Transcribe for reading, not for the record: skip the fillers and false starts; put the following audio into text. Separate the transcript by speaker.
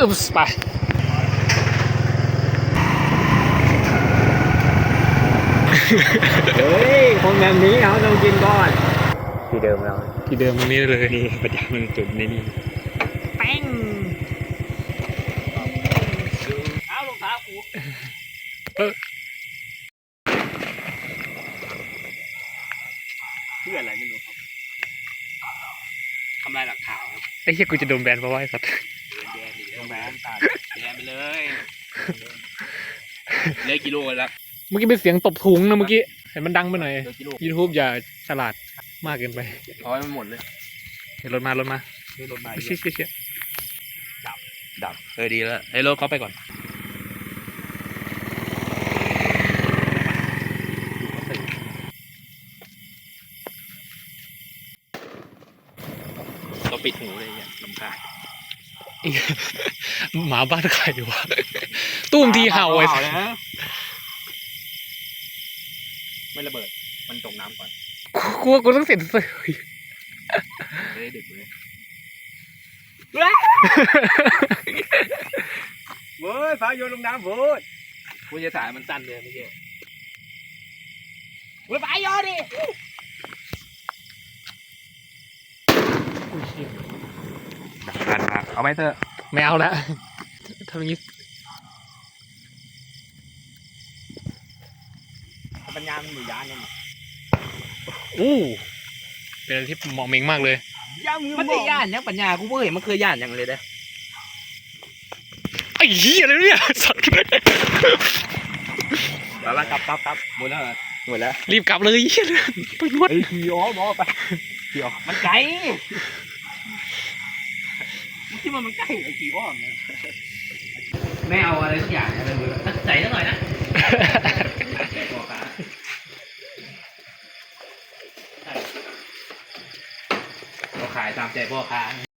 Speaker 1: ไป
Speaker 2: เฮ้ยคนแบบนี้เขาต้องกินก่อนที่เดิมเรา
Speaker 1: ที่เดิมตรงนี้เลย
Speaker 2: นี่ประจำมันจุดในนี่แป้งเอาลงเท้ากูเพื่ออะไรไม่รู้ครับทำลายหลักฐานครับ
Speaker 1: ไอ้เหี้ยกูจะโดนแบนเพราะว่าไอ้สัตว์
Speaker 2: แดนดิแบนตัดแดนไปเลยเหลือกิโลแล้ว
Speaker 1: เมื่อกี้เป็นเสียงตบถุงนะเมื่อกี้เห็นมันดังไปหน่อย
Speaker 2: เหลือกิโล
Speaker 1: YouTube อย่าฉลาดมากเกินไป
Speaker 2: เอาไว้มันหมดเลย
Speaker 1: เห็นรถมารถมา
Speaker 2: ให้รถมา
Speaker 1: เชี่ยเชี่ยเชี่ย
Speaker 2: ดับดีแล้วให้รถเขาไปก่อนเราปิดหูเลยเนี่ยลำคาญ
Speaker 1: หมาบ้านใครวะตุ้มทีเห่าไอ้สัตว์
Speaker 2: นะไม่ระเบิดมันจมน้ำก่อน
Speaker 1: กูว่ากูต้องเสร็จเลย
Speaker 2: จะได้ดึกเลยเว้ยฟ้าโยนลงน้ำโว้ยกูจะถ่ายมันสั้นเลยไม่ใช่เว้ยฟ้าโยนดิดักเอาไหมเถอะ
Speaker 1: ไม่เอาละทำอย่างนี้
Speaker 2: ปัญญามันอยู่ยานนี่
Speaker 1: อู้เป็นอะไรที่เหมาะเมงมากเลย
Speaker 2: มันได้ย่านยังปัญญากูเว้ยมันเคยย่านยังเลยเด้อ
Speaker 1: ไอ้เหี้ยอะไรเนี่ยสัตว์
Speaker 2: แล้วกลับหมดแล้วหมดแล้ว
Speaker 1: รีบกลับเลยเหี้ยไปนวด
Speaker 2: ขี่อ๋อหมอไปขี่อ๋อมันไกลที่มันใกล้ไอ้ขี่อ้อมเนี่ยไม่เอาอะไรสักอย่างอะไรเลยตั้งใจสักหน่อยนะเราขายตามใจพ่อค้า